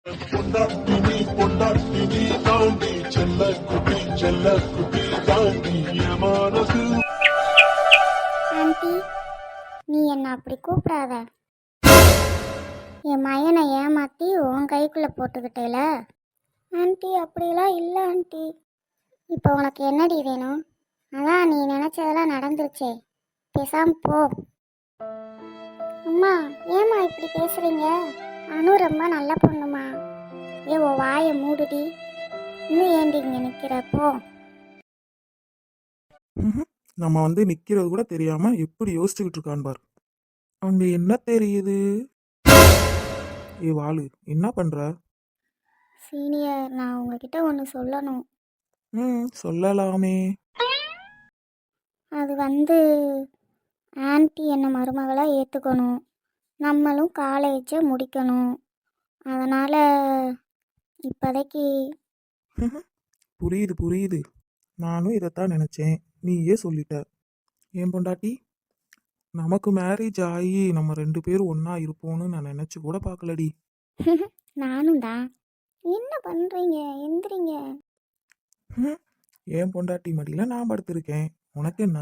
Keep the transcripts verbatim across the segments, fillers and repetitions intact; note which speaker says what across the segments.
Speaker 1: பொண்டாட்டினி பொண்டாட்டினி தாண்டி செல்ல குட்டி செல்ல குட்டி தாண்டி என் மனசு.
Speaker 2: ஆண்டி, நீ என்ன அப்படி கூப்பிடாத. என் மயனை ஏமாத்தி உன் கைக்குள்ளே போட்டுக்கிட்டேல. ஆண்டி, அப்படிலாம் இல்லை ஆண்டி. இப்போ உனக்கு என்னடி வேணும்? அதான் நீ நினச்சதெல்லாம் நடந்துருச்சே, பேசாம போ. அம்மா, ஏம்மா இப்படி பேசுறீங்க? அனு ரொம்ப நல்ல பொண்ணுமா. ஏ, ஓ வாயை மூடுடி. இன்னும் ஏண்டி இங்கே நிற்கிறப்போ?
Speaker 3: ம்ஹும். நம்ம வந்து நிக்கிறது கூட தெரியாம எப்படி யோசிச்சுக்கிட்டு இருக்கான் பார். அங்க என்ன தெரியுது? ஏ வாளு, என்ன பண்ற?
Speaker 2: சீனியர், நான் உங்ககிட்ட ஒன்று சொல்லணும்.
Speaker 3: ம் சொல்லலாமே.
Speaker 2: அது வந்து ஆன்ட்டி என்னை மருமகளாக ஏற்றுக்கணும், நம்மளும் காலேஜை முடிக்கணும். அதனால் இப்போதைக்கு.
Speaker 3: ம்ஹும். புரியுது புரியுது. நானும் இதைத்தான் நினைச்சேன், நீயே சொல்லிட்ட. ஏன் பொண்டாட்டி, நமக்கு மேரேஜ் ஆகி நம்ம ரெண்டு பேரும் ஒண்ணா இருப்போம்னு நான் நினைச்சு கூட பார்க்கலடி.
Speaker 2: நானும் தான். என்ன பண்ணுறீங்க? எந்திரிங்க.
Speaker 3: ம். ஏன் பொண்டாட்டி மடியில நான் படுத்திருக்கேன், உனக்கு என்ன?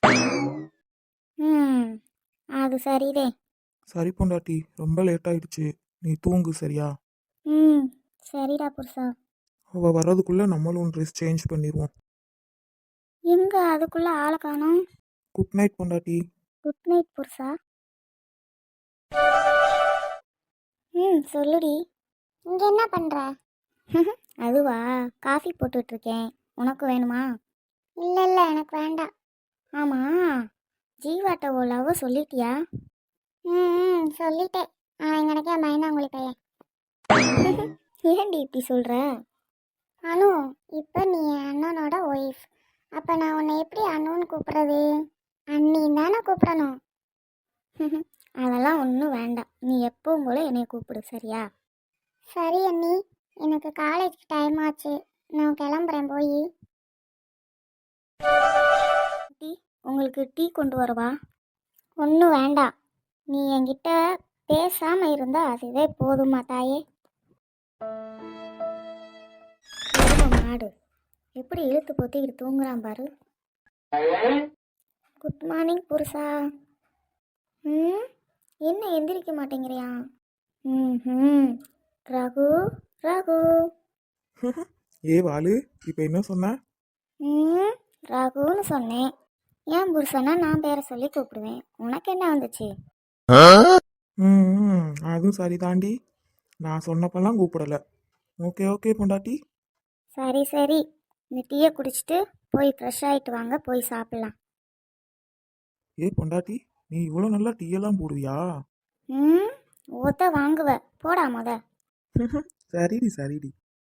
Speaker 2: ம் அது சரிதே.
Speaker 3: சரி பொண்டாட்டி, ரொம்ப லேட் ஆயிடுச்சு, நீ தூங்கு சரியா?
Speaker 2: ம் சரிடா புருஷா.
Speaker 3: அவ வர்றதுக்குள்ள நம்மளும் ட்ரெஸ் சேஞ்ச் பண்ணிடுவோம்.
Speaker 2: எங்கே அதுக்குள்ளே ஆளை காணோம்?
Speaker 3: குட் நைட் பொண்டாட்டி.
Speaker 2: குட் நைட் புருஷா. ம் சொல்லுடி. இங்கே என்ன பண்ணுற? அதுவா, காஃபி போட்டுட்ருக்கேன். உனக்கு வேணுமா? இல்லை இல்லை, எனக்கு வேண்டாம். ஆமாம், ஜீவாட்ட ஓ லவ் சொல்லிட்டியா? ம் சொல்லிட்டேன். அவன் எங்கனக்கே மைனாங்குழி பையன். ஏன்டி இப்படி சொல்கிற? அனு, இப்போ நீ என் அண்ணனோட ஒய்ஃப். அப்போ நான் உன்னை எப்படி அண்ணுன்னு கூப்பிட்றது? அண்ணின்னு தானே கூப்பிடணும். அதெல்லாம் ஒன்றும் வேண்டாம், நீ எப்பவும் போல என்னை கூப்பிடு சரியா? சரி அண்ணி, எனக்கு காலேஜ்க்கு டைம் ஆச்சு, நான் கிளம்புறேன். போய் டீ, உங்களுக்கு டீ கொண்டு வரவா? ஒன்றும் வேண்டாம், நீ என்கிட்ட பேசாமல் இருந்தால் அதுவே போதுமா தாயே? மாடு எப்படி இழுத்து பொத்திக்கிட்டு தூங்குறான் பாரு. குட் மார்னிங் புருஷா. ம் என்ன எந்திரிக்க மாட்டேங்கிறியா? ம் ம் ரகு ரகு.
Speaker 3: ஏ வாளு, இப்ப என்ன சொன்ன?
Speaker 2: ம் ரகுன்னு சொன்னேன். ஏன் புருஷனா நான் பேரை சொல்லி கூப்பிடுவேன், உனக்கு என்ன வந்துச்சு?
Speaker 3: ம் ம், அதுவும் சரி தாண்டி, நான் சொன்னப்பெல்லாம் கூப்பிடல. ஓகே ஓகே பொண்டாட்டி.
Speaker 2: சரி சரி, இந்த டீயை குடிச்சிட்டு போய் ஃப்ரெஷ் ஆகிட்டு வாங்க, போய் சாப்பிட்லாம்.
Speaker 3: ஏ பொண்டாட்டி, நீ இவ்வளோ நல்லா டீயெல்லாம் போடுவியா?
Speaker 2: ம் ஓத்த வாங்குவ, போடா முத.
Speaker 3: சரிடி சரிடி.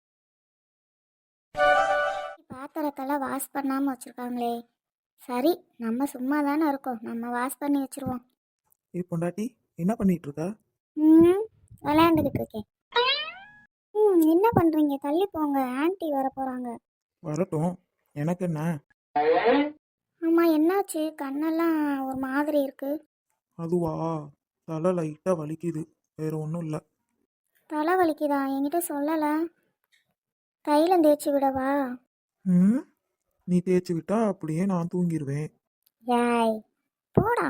Speaker 2: பாத்திரத்தெல்லாம் வாஷ் பண்ணாமல் வச்சுருக்காங்களே. சரி, நம்ம சும்மா தானே இருக்கோம், நம்ம வாஷ் பண்ணி வச்சுருவோம்.
Speaker 3: ஏ பொண்டாட்டி, என்ன பண்ணிட்டு இருக்க?
Speaker 2: ம் விளையாண்டுக்கிட்டு இருக்கேன். ம் என்ன பண்ணுறீங்க? தள்ளி போங்க, ஆன்ட்டி வர போகிறாங்க.
Speaker 3: வரட்டும், எனக்கு என்ன?
Speaker 2: ஆமாம், என்னாச்சு? கண்ணெல்லாம் ஒரு மாதிரி இருக்கு.
Speaker 3: அதுவா, தலை லைட்டாக வலிக்குது, வேற ஒன்றும் இல்லை.
Speaker 2: தலை வலிக்குதா? என்கிட்ட சொல்லலை. தைலம் தேய்ச்சி விடவா?
Speaker 3: ம், நீ தேய்ச்சி விட்டா அப்படியே நான் தூங்கிடுவேன்.
Speaker 2: யாய், போடா.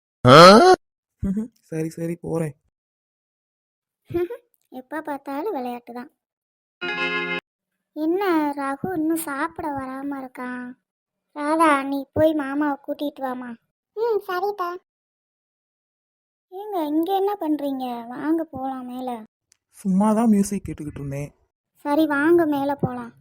Speaker 3: சரி சரி போகிறேன்.
Speaker 2: எப்போ பார்த்தாலும் விளையாட்டு தான். என்ன ரகு இன்னும் சாப்பிட வராமல் இருக்கான்? ராதா, நீ போய் மாமாவை கூட்டிகிட்டு வாமா. ம் சரிதா. ஏங்க இங்கே என்ன பண்ணுறீங்க? வாங்க போகலாம் மேலே.
Speaker 3: சும்மா தான் மியூசிக் கேட்டுக்கிட்டு இருந்தேன்.
Speaker 2: சரி வாங்க மேலே போகலாம்.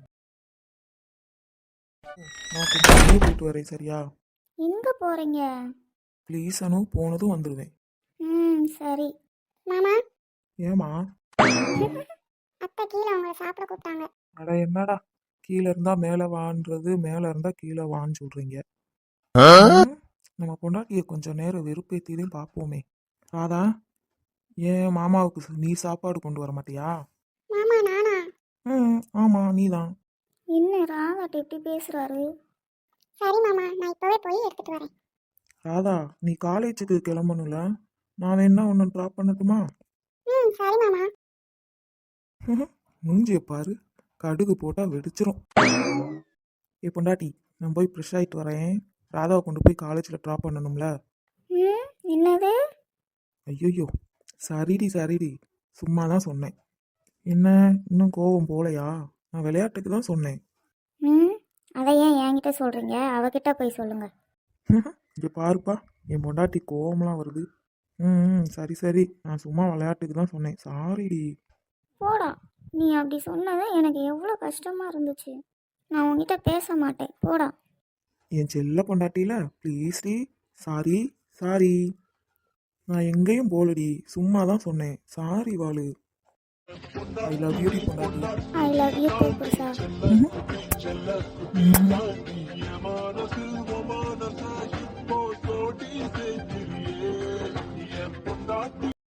Speaker 3: நான் கொஞ்சம் வெளியே போயிட்டு வரேன் சரியா?
Speaker 2: எங்கே போகிறீங்க?
Speaker 3: ப்ளீஸ் அனு, போனதும் வந்துடுவேன்.
Speaker 2: ம் சரி. மாமா.
Speaker 3: ஏமா?
Speaker 2: அத்தை கீழே உங்களை சாப்பிட கூப்பிட்டாங்க.
Speaker 3: அட என்னடா, கீழே இருந்தா மேலே வான்றது, மேலே இருந்தா கீழே வான்னு சொல்றீங்க. ம், நம்ம பொண்டாட்டியை கொஞ்சம் நேரம் வெறுப்பேற்றியும் பார்ப்போமே. ராதா, ஏன் மாமாவுக்கு நீ சாப்பாடு கொண்டு வர மாட்டியா?
Speaker 2: மாமா நானா?
Speaker 3: ம் ஆமாம், நீ தான்.
Speaker 2: என்ன ராதாட்ட எப்படி பேசுகிறாரு? சரி மாமா, நான் இப்போவே போய் எடுத்துகிட்டு வரேன்.
Speaker 3: ராதா, நீ காலேஜுக்கு கிளம்பணும்ல, நான் வேணா ஒன்று ட்ராப் பண்ணட்டுமா?
Speaker 2: ம் சரி மாமா.
Speaker 3: மூஞ்சிய பாரு, கடுகு போட்டால் வெடிச்சிரும். ஏ பொண்டாட்டி, நான் போய் ஃப்ரெஷ் ஆகிட்டு வரேன். ராதாவை கொண்டு போய் காலேஜில் ட்ராப் பண்ணணும்ல.
Speaker 2: ம் என்னது?
Speaker 3: ஐயோ, சரிடி சரிடி, சும்மா தான் சொன்னேன். என்ன, இன்னும் கோவம் போலையா? நான் விளையாட்டுக்கு தான் சொன்னேன்.
Speaker 2: ம் அதை ஏன் என்கிட்ட சொல்கிறீங்க? அவகிட்ட போய் சொல்லுங்கள்.
Speaker 3: இங்கே பாருப்பா, என் பொண்டாட்டி கோவம்லாம் வருது. ம் ம், சரி சரி, நான் சும்மா விளையாட்டுக்கு தான் சொன்னேன். சாரிடி.
Speaker 2: போடா, நீ அப்படி சொன்னது எனக்கு எவ்வளோ கஷ்டமாக இருந்துச்சு. நான் உன்கிட்ட பேச மாட்டேன், போடா.
Speaker 3: என் செல்ல பொண்டாட்டியில ப்ளீஸ்டி, சாரி சாரி. நான் எங்கேயும் போலடி, சும்மா தான் சொன்னேன். சாரி வாளு. ஐ லவ் யூ பொண்டாட்டி.
Speaker 2: ஐ லவ் யூ டூ புருஷா.
Speaker 1: செல்ல குட்டி தாண்டி என் மனசு உன் மனசா இப்போ சோடி செய்